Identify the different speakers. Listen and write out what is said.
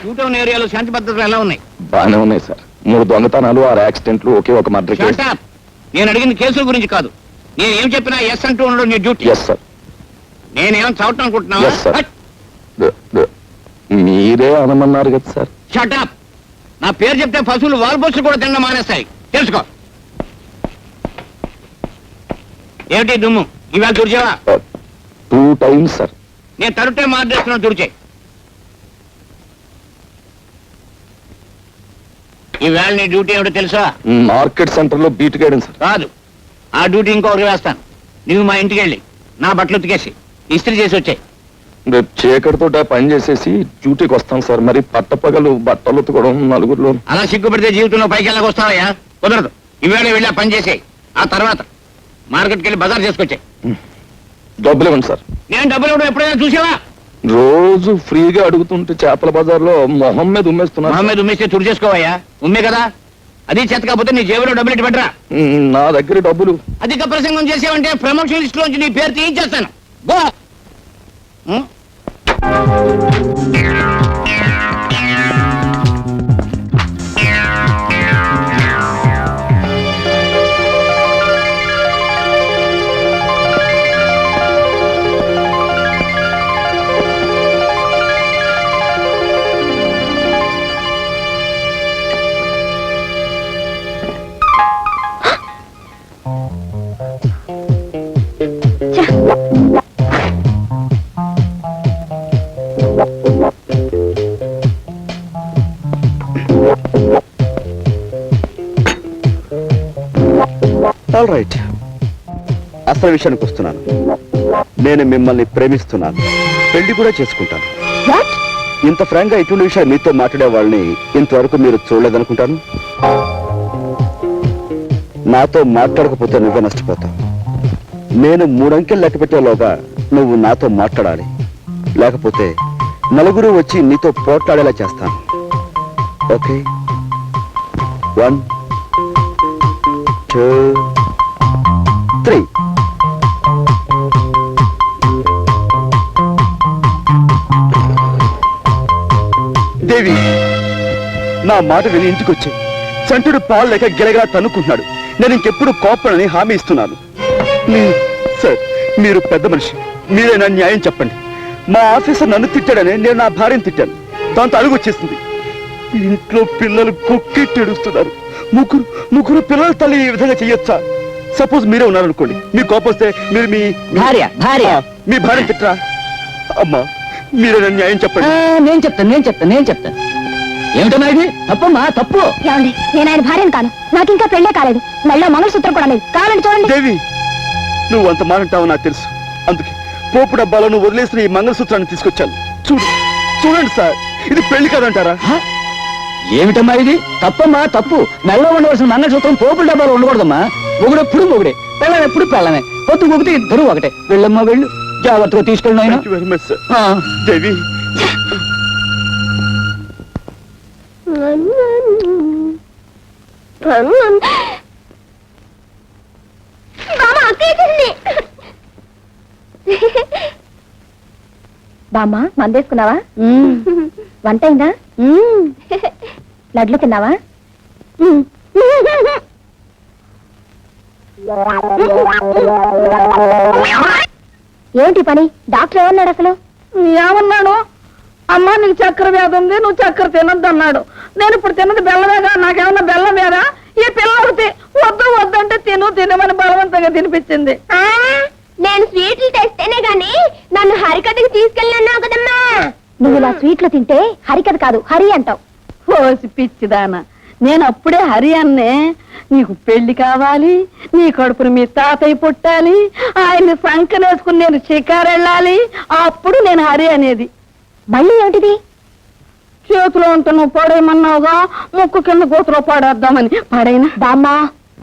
Speaker 1: షూటౌన్ ఏరియాలో శాంతి భద్రతలు ఎలా ఉన్నాయి?
Speaker 2: బాగానే ఉన్నాయి సార్. 3 దొంగతనాలు, 6 యాక్సిడెంట్లు, ఒకే ఒక మర్డర్ కేసు.
Speaker 1: నేను అడిగిన కేసుల గురించి కాదు. నేను ఏం చెప్పినా ఎస్ అంటూ ఉండడం నీ డ్యూటీ.
Speaker 2: Yes sir.
Speaker 1: నేనేం చదవటం అనుకుంటున్నా?
Speaker 2: మీరే అనమన్నారు కదా సార్.
Speaker 1: షటప్. నా పేరు చెప్తే పశువులు వాల్పోస్టులు కూడా తినడం మానేస్తాయి, తెలుసుకో. ఏమిటి దుమ్ము? ఇవాళ తుడిచేవా?
Speaker 2: 2 times సార్.
Speaker 1: నేను తరుటే మార్చేస్తున్నాను, తుడిచే. ఈవేళ నీ డ్యూటీ ఏమిటో తెలుసా?
Speaker 2: మార్కెట్ సెంటర్ లో బీట్ గైడెన్ సార్.
Speaker 1: కాదు, ఆ డ్యూటీ ఇంకొకరికి వేస్తాను. నువ్వు మా ఇంటికి వెళ్ళి నా బట్టలు ఉతికేసి ఇస్త్రీ చేసి వచ్చాయి.
Speaker 2: రేపు చీకటితో పని చేసేసి డ్యూటీకి వస్తాం సార్. మరి పట్టపగలు బట్టలు ఉతుకోవడం నలుగురిలో.
Speaker 1: అలా సిగ్గుపడితే జీవితంలో పైకి వెళ్ళక వస్తావయ్యా? కుదరదు. ఈవేళ వెళ్ళి పని చేసేయి. ఆ తర్వాత మార్కెట్కి వెళ్ళి బజార్ చేసుకొచ్చాయి.
Speaker 2: డబ్బులు ఇవ్వండి సార్.
Speaker 1: నేను డబ్బులు ఇవ్వడం ఎప్పుడైనా చూసావా?
Speaker 2: రోజు ఫ్రీగా అడుగుతుంటే చేపల బజార్లో మొహం మీద ఉమ్మేస్తున్నా.
Speaker 1: మొహం మీద ఉమ్మేస్తే తుడి చేసుకోవయ్యా. ఉమ్మే కదా, అది చేత కాకపోతే నీ జేబులో డబ్బులు ఇటు పెట్టరా.
Speaker 2: నా దగ్గర డబ్బులు.
Speaker 1: అధిక ప్రసంగం చేసావంటే ప్రమోషన్ లిస్ట్ లోంచి నీ పేరు తీయించేస్తాను. గో.
Speaker 3: ఆల్ రైట్, అసలు విషయానికి వస్తున్నాను. నేను మిమ్మల్ని ప్రేమిస్తున్నాను, పెళ్లి కూడా చేసుకుంటాను. ఇంత ఫ్రాంక్ గా ఇటువంటి విషయాలు మీతో మాట్లాడే వాళ్ళని ఇంతవరకు మీరు చూడలేదనుకుంటాను. నాతో మాట్లాడకపోతే నువ్వే నష్టపోతావు. నేను 3 అంకెలు లెక్క పెట్టేలోగా నువ్వు నాతో మాట్లాడాలి, లేకపోతే నలుగురు వచ్చి నీతో పోట్లాడేలా చేస్తాను. ఓకే? 1 2 3. దేవి, నా మాట విని ఇంటికి వచ్చి చంటుడు పాలు లేక గిలగా తన్నుకుంటున్నాడు. నేను ఇంకెప్పుడు కోపడని హామీ ఇస్తున్నాను. సార్, మీరు పెద్ద మనిషి, మీరే నా న్యాయం చెప్పండి. మా ఆఫీసర్ నన్ను తిట్టాడని నేను నా భార్యను తిట్టాను. దాంతో అడుగు వచ్చేసింది. ఇంట్లో పిల్లలు కుక్కెట్టి ఏడుస్తున్నారు. ముగ్గురు పిల్లల తల్లి ఈ విధంగా చెయ్యొచ్చా? సపోజ్ మీరే ఉన్నారనుకోండి, మీ కోపం వస్తే మీరు మీ భార్యను తిట్టరా? అమ్మా, మీరే నా న్యాయం చెప్పండి.
Speaker 1: నేను చెప్తాను. ఏమిటన్నా ఇది? తప్పమ్మా, తప్పు.
Speaker 4: ఏమండి, నేను ఆయన భార్యను కాను. నాకు ఇంకా పెళ్ళే కాలేదు. మళ్ళీ మంగళసూత్రం కూడా లేదు. కావాలంటే చూడండి.
Speaker 3: దేవి, నువ్వు అంత మానంటావు నాకు తెలుసు. అందుకే పోపు డబ్బాలో నువ్వు వదిలేసిన ఈ మంగళసూత్రాన్ని తీసుకొచ్చాను. చూడండి సార్, ఇది పెళ్లి కాదంటారా?
Speaker 1: ఏమిటమ్మా ఇది? తప్పమ్మా, తప్పు. మెల్లో ఉండవలసిన మంగళసూత్రం పోపుల డబ్బాలో ఉండకూడదమ్మా. మొగుడెప్పుడు మొగుడే, పెళ్ళనెప్పుడు పెళ్ళనే. పొద్దు మొగితే ఇద్దరు ఒకటే. వెళ్ళమ్మా, వెళ్ళు. జాగ్రత్తగా తీసుకెళ్ళి ఆయన.
Speaker 3: Very much sir. దేవి,
Speaker 4: బామ్మా, మందేసుకున్నావా? వంట అయిందా? లడ్లు తిన్నావా? ఏంటి పని? డాక్టర్ ఏమన్నాడు అసలు?
Speaker 5: ఏమన్నాడు? అమ్మా, నీకు చక్కెర వ్యాధి ఉంది, నువ్వు చక్కెర తినొద్దు అన్నాడు. నేను ఇప్పుడు తిన్నది బెల్లమేగా, నాకేమన్నా బెల్లం వేరా? ఈ పిల్లలకి వద్దంటే తినమని బలవంతంగా తినిపించింది.
Speaker 4: నేను స్వీట్లు తెస్తేనే గాని నన్ను హరికథకి తీసుకెళ్ళన్నావు కదమ్మా. నువ్వు ఇలా స్వీట్లు తింటే హరికథ కాదు, హరి అంటావు.
Speaker 5: ఓసి పిచ్చిదానా, నేను అప్పుడే హరి అన్నే. నీకు పెళ్లి కావాలి, నీ కడుపును మీ తాతయ్య పుట్టాలి, ఆయన్ని సంకనేసుకుని నేను షికారు వెళ్ళాలి, అప్పుడు నేను హరి అనేది.
Speaker 4: మళ్ళీ ఏమిటిది?
Speaker 5: చేతిలో ఉంటే నువ్వు పడేయమన్నావుగా, ముక్కు కింద గోతులో పడేద్దామని. పడైనా
Speaker 4: బామ్మా,